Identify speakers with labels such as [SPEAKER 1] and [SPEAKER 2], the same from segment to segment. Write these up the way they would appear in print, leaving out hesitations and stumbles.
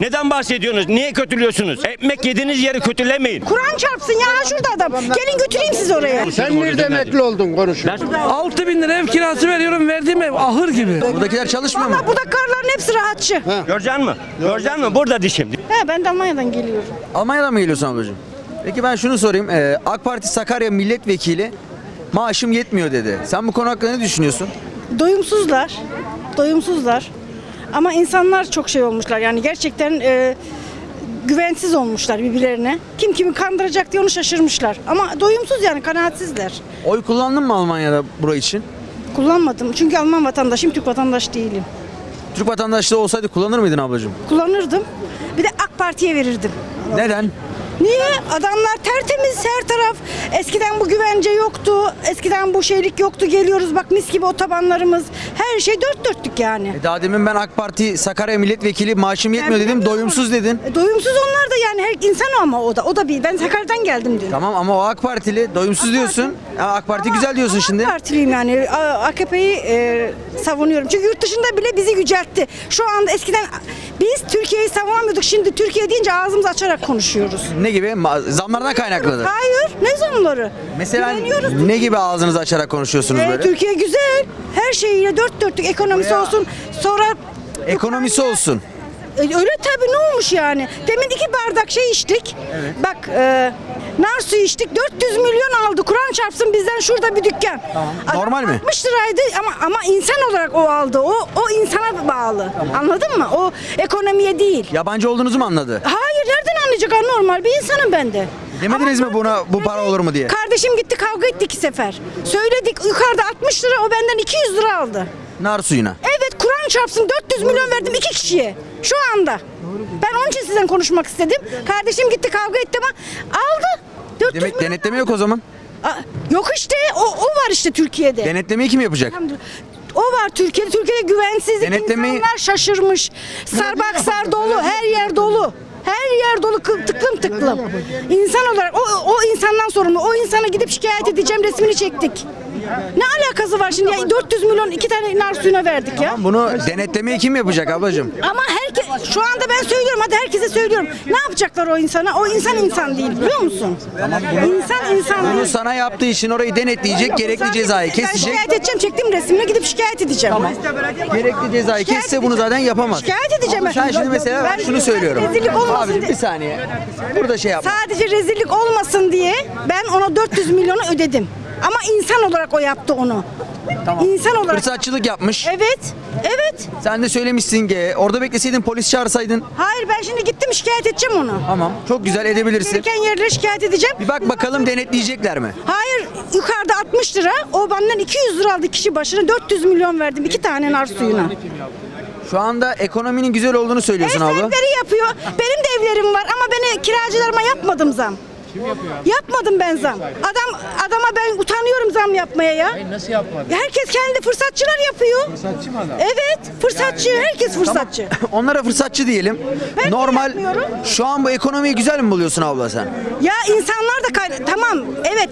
[SPEAKER 1] Neden bahsediyorsunuz? Niye kötülüyorsunuz? Ekmek yediğiniz yeri kötülemeyin.
[SPEAKER 2] Kur'an çarpsın ya şurada adam. Gelin götüreyim sizi oraya.
[SPEAKER 3] Sen nerede emekli oldun konuşuyor.
[SPEAKER 4] 6.000 lira ev kirası veriyorum, verdiğim ev ahır gibi.
[SPEAKER 5] Buradakiler çalışmıyor mu?
[SPEAKER 2] Valla burada karların hepsi rahatçı.
[SPEAKER 1] Göreceksin mi? Göreceksin mi? Burada dişim.
[SPEAKER 2] He, ben de Almanya'dan geliyorum.
[SPEAKER 5] Almanya'dan mı geliyorsun ablacığım? Peki ben şunu sorayım. AK Parti Sakarya milletvekili maaşım yetmiyor dedi. Sen bu konu hakkında ne düşünüyorsun?
[SPEAKER 2] Doyumsuzlar. Doyumsuzlar. Ama insanlar çok şey olmuşlar. Yani gerçekten güvensiz olmuşlar birbirlerine. Kim kimi kandıracak diye onu şaşırmışlar. Ama doyumsuz yani kanaatsizler.
[SPEAKER 5] Oy kullandın mı Almanya'da bura için?
[SPEAKER 2] Kullanmadım. Çünkü Alman vatandaşıyım, Türk vatandaş değilim.
[SPEAKER 5] Türk vatandaşlığı olsaydı kullanır mıydın ablacığım?
[SPEAKER 2] Kullanırdım. Bir de AK Parti'ye verirdim.
[SPEAKER 5] Neden?
[SPEAKER 2] Niye? Adamlar tertemiz her taraf. Eskiden bu güvence yoktu. Eskiden bu şeylik yoktu. Geliyoruz bak mis gibi otobanlarımız. Her şey dört dörtlük yani.
[SPEAKER 5] Daha demin ben AK Parti Sakarya milletvekili maaşım yetmiyor dedim. Doyumsuz dedin.
[SPEAKER 2] Doyumsuz onlar da yani her insan ama o da. O da bir. Ben Sakarya'dan geldim diyor.
[SPEAKER 5] Tamam ama o AK Partili doyumsuz diyorsun. Ama AK Parti güzel diyorsun şimdi.
[SPEAKER 2] AK Partiliyim yani. AKP'yi savunuyorum. Çünkü yurt dışında bile bizi yüceltti. Şu anda eskiden biz Türkiye'yi savunamıyorduk. Şimdi Türkiye deyince ağzımızı açarak konuşuyoruz.
[SPEAKER 5] Ne gibi? Zamlardan kaynaklıdır.
[SPEAKER 2] Hayır. Ne zamları?
[SPEAKER 5] Mesela
[SPEAKER 2] Güveniyoruz.
[SPEAKER 5] ne gibi ağzınızı açarak konuşuyorsunuz böyle?
[SPEAKER 2] Türkiye güzel. Her şeyiyle dört dörtlük ekonomisi olsun. Sonra
[SPEAKER 5] Ekonomisi olsun.
[SPEAKER 2] öyle tabii ne olmuş yani? Demin 2 bardak şey içtik. Bak nar suyu içtik. 400 milyon aldı. Kur'an çarpsın bizden şurada bir dükkan. Adam
[SPEAKER 5] Normal mi?
[SPEAKER 2] 60 liraydı ama insan olarak o aldı. O insana bağlı. Anladın mı? O ekonomiye değil.
[SPEAKER 5] Yabancı olduğunuzu mu anladı?
[SPEAKER 2] Hayır nereden anlayacak? Normal bir insanım ben de.
[SPEAKER 5] Demediniz mi buna bu para olur mu diye?
[SPEAKER 2] Kardeşim gitti kavga etti 2 sefer. Söyledik yukarıda 60 lira o benden 200 lira aldı.
[SPEAKER 5] Nar suyuna.
[SPEAKER 2] Evet Kur'an çarpsın 400 milyon verdim 2 kişiye. Şu anda. Ben onun için sizden konuşmak istedim. Kardeşim gitti kavga etti ama aldı. 400
[SPEAKER 5] Demek
[SPEAKER 2] milyon.
[SPEAKER 5] denetleme yok o zaman.
[SPEAKER 2] Yok işte o var işte Türkiye'de.
[SPEAKER 5] Denetlemeyi kim yapacak?
[SPEAKER 2] O var Türkiye'de. Türkiye'de güvensizlik.
[SPEAKER 5] Denetlemeyi-
[SPEAKER 2] İnsanlar şaşırmış. Sarbaksar dolu. Her yer dolu. Her yer dolu tıklım tıklım. İnsan olarak o insandan sorumlu. O insana gidip şikayet edeceğim resmini çektik. Ne alakası var şimdi? Ya 400 milyon 2 tane nar suyuna verdik ya.
[SPEAKER 5] Bunu denetlemeyi kim yapacak ablacığım?
[SPEAKER 2] Ama herkes şu anda ben söylüyorum hadi herkese söylüyorum. Ne yapacaklar o insana? O insan değil biliyor musun? İnsan
[SPEAKER 5] Bunu
[SPEAKER 2] değil.
[SPEAKER 5] sana yaptığı için orayı denetleyecek, gerekli cezayı
[SPEAKER 2] Ben
[SPEAKER 5] kesecek.
[SPEAKER 2] şikayet edeceğim. Çektim resmini gidip şikayet edeceğim.
[SPEAKER 5] Gerekli cezayı
[SPEAKER 2] Şikayet
[SPEAKER 5] kesse bunu
[SPEAKER 2] edeceğim.
[SPEAKER 5] zaten yapamaz.
[SPEAKER 2] Şikayet edeceğim
[SPEAKER 5] Ama sen
[SPEAKER 2] ben.
[SPEAKER 5] şimdi mesela ben şunu söylüyorum.
[SPEAKER 2] Rezillik olmasın
[SPEAKER 5] Abicim
[SPEAKER 2] diye.
[SPEAKER 5] bir saniye. Burada şey yapma.
[SPEAKER 2] Sadece rezillik olmasın diye ben ona 400 milyonu ödedim. Ama insan olarak o yaptı onu. İnsan olarak.
[SPEAKER 5] Fırsatçılık yapmış.
[SPEAKER 2] Evet. Evet.
[SPEAKER 5] Sen de söylemişsin ki orada bekleseydin polis çağırsaydın.
[SPEAKER 2] Hayır ben şimdi gittim şikayet edeceğim onu.
[SPEAKER 5] Tamam. Çok güzel edebilirsin.
[SPEAKER 2] Gereken yerlere şikayet edeceğim.
[SPEAKER 5] Bir bak bakalım denetleyecekler mi?
[SPEAKER 2] Hayır yukarıda 60 lira o benden 200 lira aldı kişi başına 400 milyon verdim 2 tane nar suyuna.
[SPEAKER 5] Şu anda ekonominin güzel olduğunu
[SPEAKER 2] Ev
[SPEAKER 5] söylüyorsun abla.
[SPEAKER 2] sahipleri yapıyor. Benim de evlerim var ama ben kiracılarıma yapmadım zam. Kim yapıyor? Yapmadım ben zam. Adama ben utanıyorum zam yapmaya ya.
[SPEAKER 6] Hayır, nasıl yapmadın?
[SPEAKER 2] Herkes kendi fırsatçılar yapıyor.
[SPEAKER 6] Fırsatçı mı adam?
[SPEAKER 2] Evet, fırsatçı. Herkes fırsatçı.
[SPEAKER 5] Onlara fırsatçı diyelim.
[SPEAKER 2] Ben
[SPEAKER 5] Normal.
[SPEAKER 2] yapmıyorum.
[SPEAKER 5] Şu an bu ekonomiyi güzel mi buluyorsun abla sen?
[SPEAKER 2] Ya insanlar da tamam. Evet.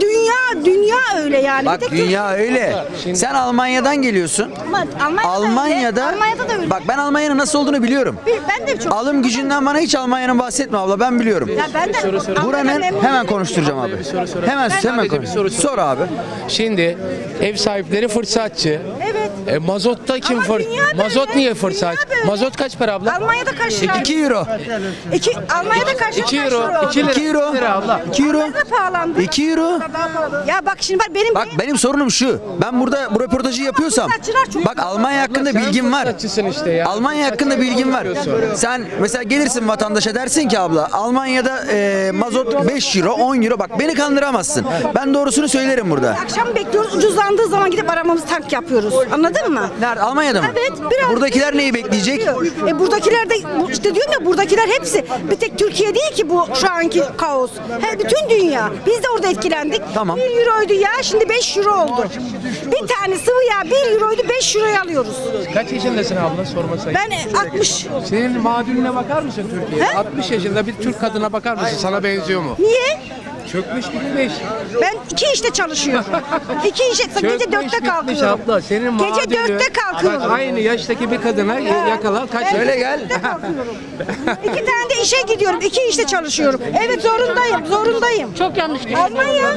[SPEAKER 2] Dünya öyle yani.
[SPEAKER 5] Bak
[SPEAKER 2] Bir tek
[SPEAKER 5] dünya öyle. Sen Almanya'dan geliyorsun.
[SPEAKER 2] Almanya'da öyle.
[SPEAKER 5] Almanya'da
[SPEAKER 2] Almanya'da da öyle.
[SPEAKER 5] bak ben Almanya'nın nasıl olduğunu biliyorum.
[SPEAKER 2] Ben de çok.
[SPEAKER 5] Alım gücünden bana hiç Almanya'nın bahsetme abla ben biliyorum.
[SPEAKER 2] Ya ben de
[SPEAKER 5] Buranın hemen konuşturacağım abi. Hemen
[SPEAKER 6] Sadece bir soru
[SPEAKER 5] sor abi.
[SPEAKER 6] Şimdi ev sahipleri fırsatçı.
[SPEAKER 2] Evet.
[SPEAKER 6] Mazotta kim
[SPEAKER 2] Ama dünya böyle.
[SPEAKER 6] Mazot niye fırsatçı?
[SPEAKER 2] Dünya böyle.
[SPEAKER 6] Mazot kaç para abla?
[SPEAKER 2] Almanya'da kaç lira?
[SPEAKER 5] 2 euro.
[SPEAKER 2] Almanya'da kaç lira?
[SPEAKER 6] 2 euro.
[SPEAKER 2] oldu?
[SPEAKER 6] 2 lira.
[SPEAKER 5] 2 euro.
[SPEAKER 6] abla.
[SPEAKER 5] 2 euro.
[SPEAKER 2] Almanya'da pahalandı.
[SPEAKER 5] 2 euro.
[SPEAKER 2] Ya bak şimdi benim
[SPEAKER 5] Bak benim sorunum şu. Ben burada bu röportajı yapıyorsam bak Almanya hakkında bilgim var.
[SPEAKER 6] Fırsatçısın işte ya.
[SPEAKER 5] Almanya hakkında bilgim var. Sen mesela gelirsin vatandaşa dersin ki abla Almanya'da mazot 5 euro 10 euro bak beni kandıramazsın. Ben doğrusunu söylerim burada.
[SPEAKER 2] akşam bekliyoruz ucuzlandığı zaman gidip aramamızı tank yapıyoruz. Anladın mı?
[SPEAKER 5] Nerede? Almanya'da mı?
[SPEAKER 2] Evet. Biraz
[SPEAKER 5] Buradakiler neyi bekleyecek?
[SPEAKER 2] Buradakiler de işte diyorum ya buradakiler hepsi bir tek Türkiye değil ki bu şu anki kaos. Bütün dünya. Biz de orada etkilendik.
[SPEAKER 5] Tamam.
[SPEAKER 2] 1 euroydu ya şimdi 5 euro oldu. Bir tane sıvı yağ 1 euroydu 5 euroya alıyoruz.
[SPEAKER 6] Kaç yaşındasın abla sormasaydı?
[SPEAKER 2] Ben 60.
[SPEAKER 6] Senin mağduruna bakar mısın Türkiye'de?
[SPEAKER 2] He?
[SPEAKER 6] 60 yaşında bir Türk kadına bakar mısın? Sana benziyor mu?
[SPEAKER 2] Niye?
[SPEAKER 6] Çökmüş gitmiş.
[SPEAKER 2] Ben 2 işte çalışıyorum. 2 işte gece
[SPEAKER 6] Çökmüş
[SPEAKER 2] 4'te
[SPEAKER 6] gitmiş
[SPEAKER 2] kalkıyorum.
[SPEAKER 6] abla. Senin
[SPEAKER 2] Gece
[SPEAKER 6] muadili.
[SPEAKER 2] 4'te kalkıyorum.
[SPEAKER 6] Bak, aynı yaştaki bir kadına yakala kaç.
[SPEAKER 5] Şöyle gel.
[SPEAKER 2] 2 tane de işe gidiyorum. 2 işte çalışıyorum. Evet zorundayım. Çok yanlış. Almanya.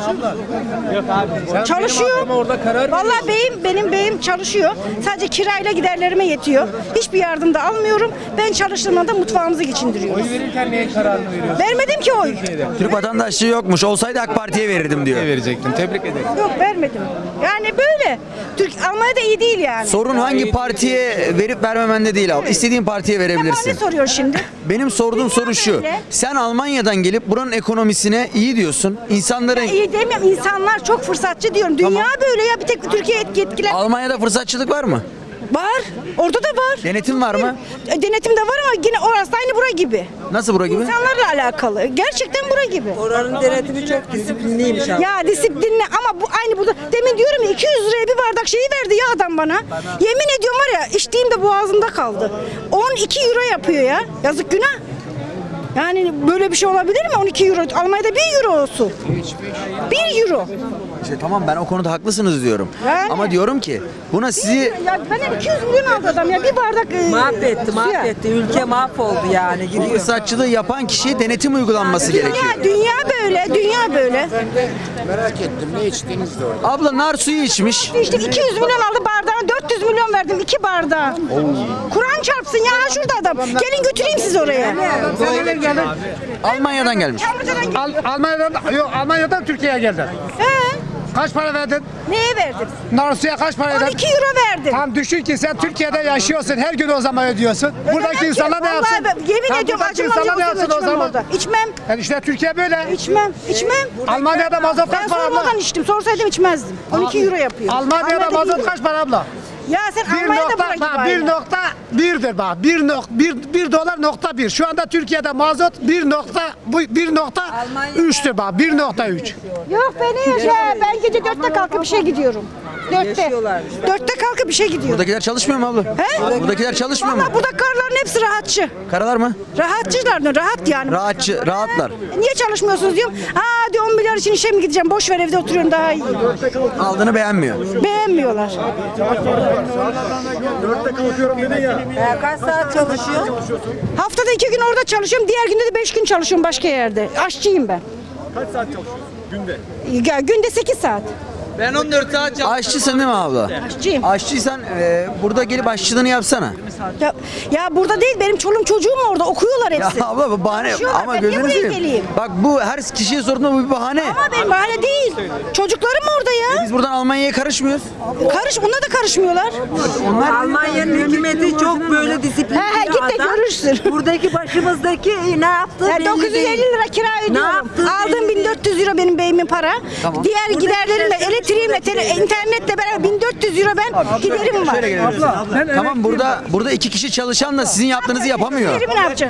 [SPEAKER 2] Çalışıyor.
[SPEAKER 6] Ama orada karar
[SPEAKER 2] Vallahi benim beyim çalışıyor. Sadece kirayla giderlerime yetiyor. Hiçbir yardım da almıyorum. Ben çalıştığımda da mutfağımızı geçindiriyorum.
[SPEAKER 6] Oy verirken neye kararını veriyorsun?
[SPEAKER 2] Vermedim ki oy.
[SPEAKER 5] Türk vatandaşlığı yokmuş. Olsaydı AK Parti'ye verirdim diyor.
[SPEAKER 6] Ne verecektim? Tebrik ederim.
[SPEAKER 2] Yok vermedim. Yani böyle. Almanya'da iyi değil yani.
[SPEAKER 5] Sorun hangi partiye verip vermemende değil abi. İstediğin partiye
[SPEAKER 2] Ama ne
[SPEAKER 5] verebilirsin.
[SPEAKER 2] soruyor şimdi?
[SPEAKER 5] Benim sorduğum soru şu.
[SPEAKER 2] böyle.
[SPEAKER 5] Sen Almanya'dan gelip buranın ekonomisine iyi diyorsun. İnsanların
[SPEAKER 2] İyi demiyorum. İnsanlar çok fırsatçı diyorum. Dünya böyle ya. Bir tek Türkiye etkiler.
[SPEAKER 5] Almanya'da fırsatçılık var mı?
[SPEAKER 2] Var. Orada da var.
[SPEAKER 5] Denetim var mı?
[SPEAKER 2] Denetim de var ama yine orası da aynı bura gibi.
[SPEAKER 5] Nasıl bura gibi?
[SPEAKER 2] İnsanlarla alakalı. Gerçekten bura gibi.
[SPEAKER 7] Oranın denetimi çok disiplinliymiş abi.
[SPEAKER 2] Ya disiplinli ama bu aynı burada. Demin diyorum ya 200 liraya bir bardak şeyi verdi ya adam bana. Yemin ediyorum var ya içtiğimde boğazımda kaldı. 12 euro yapıyor ya. Yazık günah. Yani böyle bir şey olabilir mi? 12 euro. Almanya'da 1 euro olsun. 1 euro.
[SPEAKER 5] İşte tamam ben o konuda haklısınız diyorum.
[SPEAKER 2] Yani.
[SPEAKER 5] Ama diyorum ki buna sizi
[SPEAKER 2] Ya benden 200 milyon aldı adam ya. Bir bardak
[SPEAKER 7] Mahvetti,
[SPEAKER 2] suya.
[SPEAKER 7] mahvetti. Ülke mahvoldu yani.
[SPEAKER 5] bu
[SPEAKER 7] Gidiyor.
[SPEAKER 5] fırsatçılığı yapan kişiye denetim uygulanması gerekiyor.
[SPEAKER 2] Dünya böyle. Dünya böyle.
[SPEAKER 3] Merak ettim ne içtiniz de orada.
[SPEAKER 5] Abla nar suyu içmiş.
[SPEAKER 2] İşte 200 milyon aldı bardağına 400 milyon verdim 2 bardağa. Kur'an çarpsın ya ha şurada adam. Gelin götüreyim sizi oraya.
[SPEAKER 5] Almanya'dan gelmiş.
[SPEAKER 3] Almanya'dan Türkiye'ye geldin.
[SPEAKER 2] He?
[SPEAKER 3] Kaç para verdin?
[SPEAKER 2] Neye verdin?
[SPEAKER 3] Narsu'ya kaç para verdin?
[SPEAKER 2] 12 euro verdim.
[SPEAKER 3] Tam düşün ki sen Türkiye'de yaşıyorsun. Her gün o zaman ödüyorsun. Buradaki
[SPEAKER 2] Ödemem
[SPEAKER 3] insanlar
[SPEAKER 2] ki.
[SPEAKER 3] ne yapsın?
[SPEAKER 2] Vallahi ben yemin
[SPEAKER 3] Tam
[SPEAKER 2] ediyorum
[SPEAKER 3] buradaki
[SPEAKER 2] acımam
[SPEAKER 3] insanlar ne
[SPEAKER 2] yoksa
[SPEAKER 3] yapsın o
[SPEAKER 2] içmem
[SPEAKER 3] zaman?
[SPEAKER 2] orada. İçmem.
[SPEAKER 3] Yani işte Türkiye böyle.
[SPEAKER 2] İçmem.
[SPEAKER 3] Almanya'da mazot
[SPEAKER 2] Ben
[SPEAKER 3] kaç para abla?
[SPEAKER 2] sormadan içtim. Sorsaydım içmezdim. 12 euro yapıyor.
[SPEAKER 3] Almanya'da mazot
[SPEAKER 2] değil.
[SPEAKER 3] kaç para abla?
[SPEAKER 2] Ya sen Almanya'da bırak gibi aynı.
[SPEAKER 3] 1.1'dir bak. 1 dolar nokta 1. Şu anda Türkiye'de mazot 1.3'tür bak. 1.3.
[SPEAKER 2] Yok beni ya. Ben gece 4'te kalkıp işe gidiyorum. 4'te.
[SPEAKER 7] Yaşıyorlarmış.
[SPEAKER 2] 4'te kalkıp işe gidiyorum.
[SPEAKER 5] Buradakiler çalışmıyor mu abla?
[SPEAKER 2] He?
[SPEAKER 5] Buradakiler çalışmıyor mu?
[SPEAKER 2] Valla burada karların hepsi rahatçı.
[SPEAKER 5] Karalar mı?
[SPEAKER 2] Rahatçılar rahat yani.
[SPEAKER 5] Rahatlar.
[SPEAKER 2] Niye çalışmıyorsunuz diyorum. Aa diyor 10 milyar için işe mi gideceğim? Boş ver evde oturuyorum daha iyi.
[SPEAKER 5] Aldığını beğenmiyor.
[SPEAKER 2] Beğenmiyorlar.
[SPEAKER 7] Kaç saat çalışıyor?
[SPEAKER 2] Haftada 2 gün orada çalışıyorum. Diğer günde de 5 gün çalışıyorum başka yerde. Aşçıyım ben.
[SPEAKER 8] Kaç saat çalışıyorsun günde?
[SPEAKER 2] Ya, günde 8 saat.
[SPEAKER 5] Ben 14 saat Aşçısın değil mi abla?
[SPEAKER 2] Aşçıyım.
[SPEAKER 5] Aşçıysan burada gelip aşçılığını yapsana.
[SPEAKER 2] Ya burada değil benim çoluğum çocuğum orada okuyorlar
[SPEAKER 5] Ya
[SPEAKER 2] hepsi.
[SPEAKER 5] abla bu bahane
[SPEAKER 2] Çalışıyorlar,
[SPEAKER 5] ama
[SPEAKER 2] ben niye
[SPEAKER 5] gözünü
[SPEAKER 2] buraya
[SPEAKER 5] seveyim.
[SPEAKER 2] geleyim?
[SPEAKER 5] Bak bu her kişiye sorduğunda bu bir bahane.
[SPEAKER 2] Ama benim bahane değil. Çocuklarım orada ya.
[SPEAKER 5] Biz buradan Almanya'ya karışmıyoruz.
[SPEAKER 2] Bunlar da karışmıyorlar.
[SPEAKER 7] Almanya'nın hükümeti çok böyle disiplinli
[SPEAKER 2] He, git de
[SPEAKER 7] adam.
[SPEAKER 2] görürsün.
[SPEAKER 7] Buradaki başımızdaki ne yaptı
[SPEAKER 2] Ya
[SPEAKER 7] belli
[SPEAKER 2] 950
[SPEAKER 7] değil.
[SPEAKER 2] lira kira ödüyorum.
[SPEAKER 7] yaptın
[SPEAKER 2] Aldığım
[SPEAKER 7] belli
[SPEAKER 2] 1400 euro benim beyimin para.
[SPEAKER 5] Tamam.
[SPEAKER 2] Diğer giderlerimle, elektriğimle, internetle beraber 1400 euro ben giderim var.
[SPEAKER 5] Şöyle gelebilirsin. Tamam burada iki kişi çalışan da sizin yaptığınızı yapamıyor.
[SPEAKER 2] Giderimi ne yapacağım?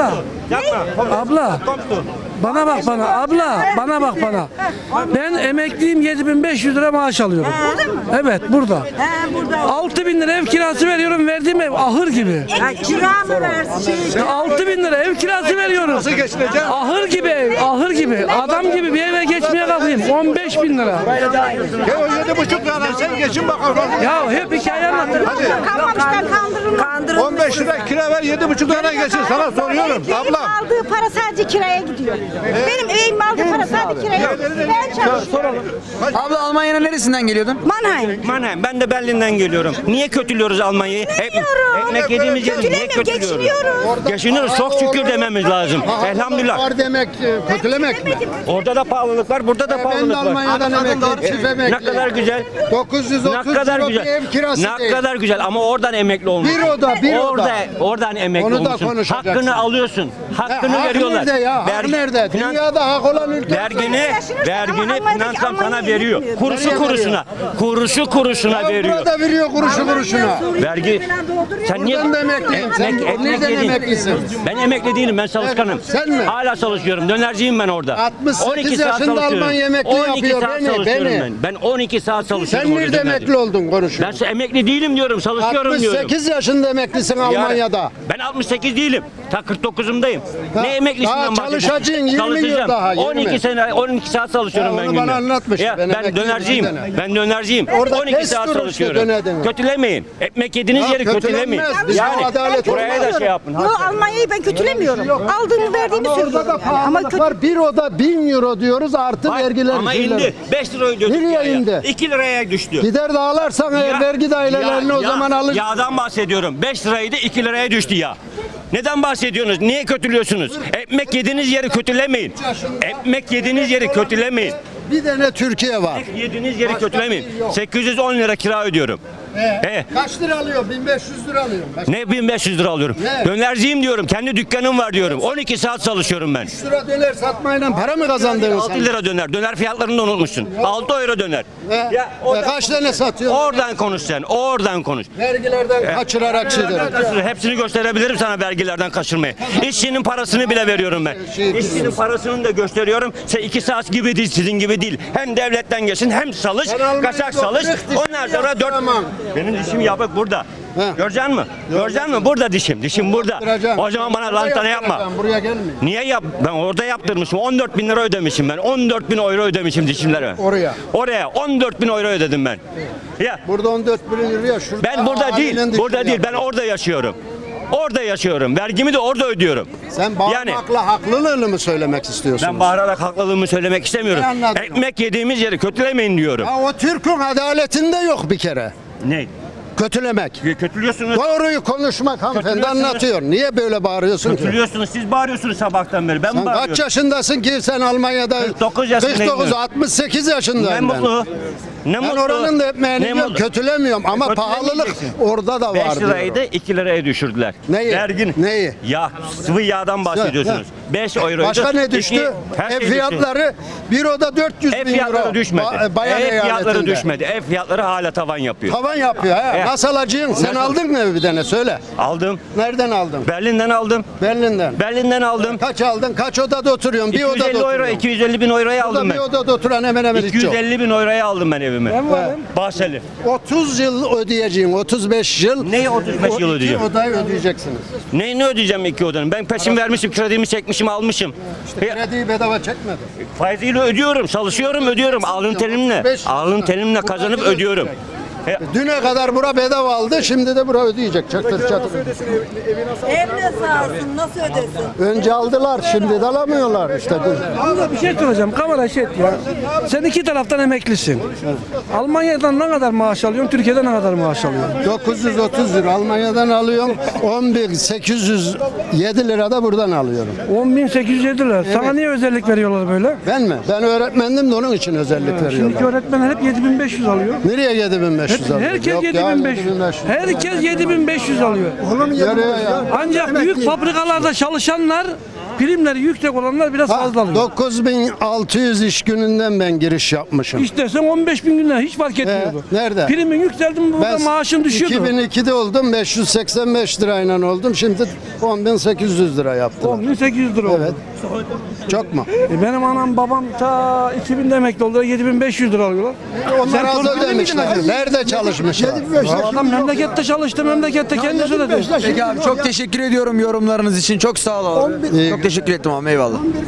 [SPEAKER 4] Abla. Bana bak bana. Abla bana bak bana. Ben emekliyim 7500 lira maaş alıyorum. Evet burada.
[SPEAKER 7] He burada.
[SPEAKER 4] 6000 lira ev kirası veriyorum. Verdiğim ev ahır gibi.
[SPEAKER 7] Ha, kira mı versin?
[SPEAKER 4] 6000 lira ev kirası veriyorum.
[SPEAKER 8] Nasıl geçineceksin?
[SPEAKER 4] Ahır gibi ev, ahır gibi. Adam gibi bir eve geçmeye kalkayım. 15.000 lira.
[SPEAKER 8] Ya o 7,5 lira sen geçin bakalım.
[SPEAKER 4] Ya hep hikaye anlatır.
[SPEAKER 2] Kanmamışlar kandırılmış.
[SPEAKER 8] 15 lira kira ver 7,5 lira geçin sana soruyorum
[SPEAKER 2] Benim
[SPEAKER 8] ablam.
[SPEAKER 2] aldığı para sadece kiraya gidiyor. Benim evimin aldığı para sadece kiraya gidiyor. Ben çalışıyorum.
[SPEAKER 5] Abla Almanya'nın neresinden geliyordun?
[SPEAKER 2] Mannheim.
[SPEAKER 1] Mannheim, ben de Berlin'den geliyorum. Niye kötülüyoruz Almanya'yı? Ekmek yediğimiz yeri niye
[SPEAKER 2] Kötülemiyorum,
[SPEAKER 1] kötülüyoruz?
[SPEAKER 2] geçiniyoruz.
[SPEAKER 1] Geçiniyoruz, çok şükür dememiz lazım. Elhamdülillah.
[SPEAKER 3] Var demek kötülemek mi?
[SPEAKER 1] Orada da pahalılık var, burada da
[SPEAKER 3] Ben de
[SPEAKER 1] pahalılık var.
[SPEAKER 3] Almanya'dan emekli, çift emekli.
[SPEAKER 1] Ne kadar güzel.
[SPEAKER 3] 930
[SPEAKER 1] Ne kadar
[SPEAKER 3] euro bir
[SPEAKER 1] güzel.
[SPEAKER 3] ev kirası
[SPEAKER 1] Ne
[SPEAKER 3] değil.
[SPEAKER 1] kadar güzel ama oradan emekli olmuş.
[SPEAKER 3] Bir oda.
[SPEAKER 1] Oradan emekli
[SPEAKER 3] Onu da
[SPEAKER 1] olmuşsun.
[SPEAKER 3] konuşacaksın.
[SPEAKER 1] Hakkını alıyorsun. Hakkını
[SPEAKER 3] Hak
[SPEAKER 1] veriyorlar.
[SPEAKER 3] nerede ya? Hak nerede?
[SPEAKER 1] Finans-
[SPEAKER 3] Dünyada hak olan ülke.
[SPEAKER 1] Vergini
[SPEAKER 2] Almanya'daki
[SPEAKER 1] finansam sana
[SPEAKER 2] Almanya
[SPEAKER 1] veriyor.
[SPEAKER 2] yetmiyor.
[SPEAKER 1] Kuruşu kuruşuna. Kuruşu kuruşuna veriyor.
[SPEAKER 3] Burada veriyor kuruşu kuruşuna.
[SPEAKER 1] Vergi. Sen niye
[SPEAKER 3] Buradan da emekliyim. Sen nereden
[SPEAKER 1] yedin.
[SPEAKER 3] emeklisin?
[SPEAKER 1] Ben emekli değilim. Ben çalışkanım.
[SPEAKER 3] Sen mi?
[SPEAKER 1] Hala çalışıyorum. Dönerciyim ben orada.
[SPEAKER 3] 68 yaşında Almanya emekli
[SPEAKER 1] 12
[SPEAKER 3] yapıyor.
[SPEAKER 1] saat
[SPEAKER 3] Beni,
[SPEAKER 1] çalışıyorum
[SPEAKER 3] beni.
[SPEAKER 1] ben. Ben 12 saat çalışıyorum.
[SPEAKER 3] Sen
[SPEAKER 1] orada
[SPEAKER 3] nerede
[SPEAKER 1] dönerci.
[SPEAKER 3] emekli oldun konuşuyor.
[SPEAKER 1] Ben emekli değilim diyorum. Çalışıyorum diyorum.
[SPEAKER 3] 68 yaşında emeklisin
[SPEAKER 1] Yani
[SPEAKER 3] Almanya'da.
[SPEAKER 1] ben 68 değilim. Ta 49'umdayım. Ne
[SPEAKER 3] Daha
[SPEAKER 1] emeklisinden bahsediyorsun?
[SPEAKER 3] çalışacaksın 20
[SPEAKER 1] Çalışacağım.
[SPEAKER 3] yıl daha,
[SPEAKER 1] 12 sene 12 saat çalışıyorum
[SPEAKER 3] Ya
[SPEAKER 1] ben
[SPEAKER 3] onu
[SPEAKER 1] günde.
[SPEAKER 3] bana anlatmış.
[SPEAKER 1] Ya
[SPEAKER 3] Ben
[SPEAKER 1] ben
[SPEAKER 3] emekliyim,
[SPEAKER 1] dönerciyim.
[SPEAKER 3] bir dönem.
[SPEAKER 1] Ben dönerciyim.
[SPEAKER 3] Orada
[SPEAKER 1] 12
[SPEAKER 3] kes
[SPEAKER 1] saat
[SPEAKER 3] durun işte,
[SPEAKER 1] çalışıyorum.
[SPEAKER 3] dönerdin.
[SPEAKER 1] Kötülemeyin. Ekmek yediğiniz
[SPEAKER 3] Ya
[SPEAKER 1] yeri kötülemeyin.
[SPEAKER 3] kötülenmez. Biz
[SPEAKER 1] Yani
[SPEAKER 3] bu adalet
[SPEAKER 1] buraya da şey yapın.
[SPEAKER 2] Yok, Almanya'yı ben kötülemiyorum. Aldığımı verdiğimi
[SPEAKER 3] Ama orada
[SPEAKER 2] söylüyorum.
[SPEAKER 3] da
[SPEAKER 2] Yani.
[SPEAKER 3] pahalılık var. Bir oda 1000 euro diyoruz artı vergiler.
[SPEAKER 1] Ama
[SPEAKER 3] şeyler.
[SPEAKER 1] indi. 5 lira ödüyorduk.
[SPEAKER 3] Nereye
[SPEAKER 1] ya.
[SPEAKER 3] indi?
[SPEAKER 1] 2 liraya düştü.
[SPEAKER 3] Gider de ağlarsan eğer vergi dairelerini o zaman alır.
[SPEAKER 1] Yağdan bahsediyorum. 5 liraydı 2 liraya düştü ya. Neden bahsediyorsunuz? Niye kötülüyorsunuz? Ekmek yediğiniz yeri kötülemeyin. Ekmek yediğiniz yeri kötülemeyin.
[SPEAKER 3] Bir tane Türkiye var.
[SPEAKER 1] Yediğiniz yeri kötülemeyin. 810 lira kira ödüyorum.
[SPEAKER 3] Kaç lira alıyor? 1500 lira alıyorum.
[SPEAKER 1] Ne 1500 lira alıyorum?
[SPEAKER 3] Ne?
[SPEAKER 1] Dönerciyim diyorum. Kendi dükkanım var diyorum. 12 saat çalışıyorum ben.
[SPEAKER 3] 3 lira döner satmayla para mı kazandınız
[SPEAKER 1] 6
[SPEAKER 3] sen?
[SPEAKER 1] lira döner. Döner fiyatlarını da unutmuşsun. 6 euro döner.
[SPEAKER 3] Kaç tane satıyorsun?
[SPEAKER 1] Oradan konuş sen. Oradan konuş.
[SPEAKER 3] Vergilerden kaçırarak şeyler.
[SPEAKER 1] Hepsini gösterebilirim sana vergilerden kaçırmayı. İşçinin parasını bile veriyorum ben. İşçinin parasını da gösteriyorum. Sen 2 saat gibi değil, sizin gibi değil. Hem devletten geçin hem çalış, kaçak çalış. Ondan sonra 4... Benim dişim yapık burada. Göreceksin mi? Göreceksin mi? Burada dişim. Dişim burada. O zaman bana lantana yapma.
[SPEAKER 3] Buraya gelme.
[SPEAKER 1] Niye yap? Ben orada yaptırmışım. 14 bin lira ödemişim ben. 14 bin euro ödemişim dişimlere.
[SPEAKER 3] Oraya.
[SPEAKER 1] Oraya 14 bin euro ödedim ben. Ya
[SPEAKER 3] Burada 14 bin liraya şurada.
[SPEAKER 1] ben burada değil.
[SPEAKER 3] ailenin
[SPEAKER 1] Burada
[SPEAKER 3] dişini
[SPEAKER 1] değil.
[SPEAKER 3] yap.
[SPEAKER 1] Ben orada yaşıyorum. Orada yaşıyorum. Vergimi de orada ödüyorum.
[SPEAKER 3] Sen bağırmakla haklılığını mı söylemek istiyorsun?
[SPEAKER 1] Ben bağırarak haklılığımı söylemek istemiyorum.
[SPEAKER 3] Ben anladım.
[SPEAKER 1] Ekmek yediğimiz yeri kötülemeyin diyorum.
[SPEAKER 3] Ya o Türk'ün adaletinde yok bir kere.
[SPEAKER 1] Ne?
[SPEAKER 3] Kötülemek.
[SPEAKER 1] Kötülüyorsunuz.
[SPEAKER 3] Doğruyu konuşmak hanımefendi
[SPEAKER 1] Kötülüyorsunuz.
[SPEAKER 3] anlatıyor. Niye böyle bağırıyorsun ki?
[SPEAKER 1] Kötülüyorsunuz. Siz bağırıyorsunuz sabahtan beri. Ben
[SPEAKER 3] Sen
[SPEAKER 1] bağırıyorum.
[SPEAKER 3] kaç yaşındasın ki sen Almanya'da?
[SPEAKER 1] 49 yaşındayım
[SPEAKER 3] 49,
[SPEAKER 1] ben.
[SPEAKER 3] 68
[SPEAKER 1] Ne
[SPEAKER 3] yaşındayım ben.
[SPEAKER 1] mutlu. Ne
[SPEAKER 3] Ben
[SPEAKER 1] mutlu.
[SPEAKER 3] oranın da ekmeğini
[SPEAKER 1] Ne
[SPEAKER 3] yiyorum,
[SPEAKER 1] mutlu.
[SPEAKER 3] kötülemiyorum ama pahalılık
[SPEAKER 1] Kötülemeyeceksin.
[SPEAKER 3] orada da
[SPEAKER 1] 5
[SPEAKER 3] var
[SPEAKER 1] liraydı
[SPEAKER 3] diyorum.
[SPEAKER 1] 2 liraya düşürdüler.
[SPEAKER 3] Neyi?
[SPEAKER 1] Vergin.
[SPEAKER 3] Neyi?
[SPEAKER 1] Ya sıvı yağdan bahsediyorsunuz. 5 euroydu.
[SPEAKER 3] Başka ne düştü?
[SPEAKER 1] Her şey
[SPEAKER 3] Ev
[SPEAKER 1] düştü.
[SPEAKER 3] fiyatları bir oda 400
[SPEAKER 1] Ev
[SPEAKER 3] bin
[SPEAKER 1] fiyatları
[SPEAKER 3] euro.
[SPEAKER 1] düşmedi.
[SPEAKER 3] Bayan
[SPEAKER 1] Ev fiyatları
[SPEAKER 3] eyaletinde.
[SPEAKER 1] düşmedi. Ev fiyatları hala tavan yapıyor.
[SPEAKER 3] Tavan yapıyor ha.
[SPEAKER 1] Evet.
[SPEAKER 3] Nasıl alacaksın? Sen
[SPEAKER 1] Nasıl?
[SPEAKER 3] aldın mı evi bir tane söyle.
[SPEAKER 1] Aldım.
[SPEAKER 3] Nereden aldın?
[SPEAKER 1] Berlin'den aldım.
[SPEAKER 3] Berlin'den.
[SPEAKER 1] Berlin'den aldım.
[SPEAKER 3] Kaç aldın? Kaç odada oturuyorsun? Bir odada
[SPEAKER 1] 250 euro,
[SPEAKER 3] oturuyorsun.
[SPEAKER 1] 250 bin euroya aldım
[SPEAKER 3] Bir
[SPEAKER 1] ben.
[SPEAKER 3] odada oturan hemen hemen hiç yok.
[SPEAKER 1] 250 bin euroya aldım ben evimi. Bahçeli.
[SPEAKER 3] 30 yıl ödeyeceğin, 35 yıl.
[SPEAKER 1] Neyi 35 yıl
[SPEAKER 3] o
[SPEAKER 1] ödeyeceğim?
[SPEAKER 3] iki odayı ödeyeceksiniz.
[SPEAKER 1] Neyini ödeyeceğim 2 odanın? Ben peşin vermişim, kredimi çekmişim, almışım.
[SPEAKER 3] Krediyi bedava çekmedin.
[SPEAKER 1] Faiziyle ödüyorum, çalışıyorum, ödüyorum. Alın terimle.
[SPEAKER 3] 35
[SPEAKER 1] Alın terimle kazanıp ödüyorum.
[SPEAKER 3] Düne kadar bura bedava aldı, şimdi de bura ödeyecek. Çatır çatır.
[SPEAKER 7] Evde sağsın nasıl ödesin?
[SPEAKER 3] Önce aldılar, şimdi de alamıyorlar işte.
[SPEAKER 4] Abla bir şey soracağım. Kamera şey et ya. Sen iki taraftan emeklisin. Almanya'dan ne kadar maaş alıyorsun? Türkiye'den ne kadar maaş alıyorsun?
[SPEAKER 3] 930 lira Almanya'dan alıyorum, 10.807 lira da buradan alıyorum.
[SPEAKER 4] 10.807 lira. Sana niye özellik veriyorlar böyle?
[SPEAKER 3] Ben mi? Ben öğretmendim de onun için özellik
[SPEAKER 4] Şimdiki
[SPEAKER 3] veriyorlar.
[SPEAKER 4] öğretmenler hep 7500 alıyor.
[SPEAKER 3] Nereye 7500 alıyor?
[SPEAKER 4] Herkes
[SPEAKER 3] Yok ya,
[SPEAKER 4] 7500. Herkes 7500 alıyor.
[SPEAKER 3] Yarıyor ya.
[SPEAKER 4] Ancak büyük fabrikalarda çalışanlar primleri yüksek olanlar biraz fazla alıyor.
[SPEAKER 3] 9600 iş gününden ben giriş yapmışım.
[SPEAKER 4] İstersen 15 bin günden hiç fark etmiyordu.
[SPEAKER 3] Nerede?
[SPEAKER 4] Primin yükseldi mi burada maaşın düşüyordu.
[SPEAKER 3] 2002'de oldum, 585 lirayla oldum. Şimdi 10.800 lira yaptılar.
[SPEAKER 4] 10.800 lira oldu.
[SPEAKER 3] Evet. Çok mu?
[SPEAKER 4] Benim anam babam ta 2000'de emekli oldular 7500 lira alıyorlar.
[SPEAKER 3] Onlar az
[SPEAKER 4] torpilli miydin
[SPEAKER 3] ödemişler.
[SPEAKER 4] acaba?
[SPEAKER 3] Nerede çalışmışlar?
[SPEAKER 4] Adam memlekette çalıştı, memlekette kendisi ödedi.
[SPEAKER 5] Peki abi çok teşekkür ediyorum yorumlarınız için. Çok sağ ol abi. Çok teşekkür ettim abi eyvallah.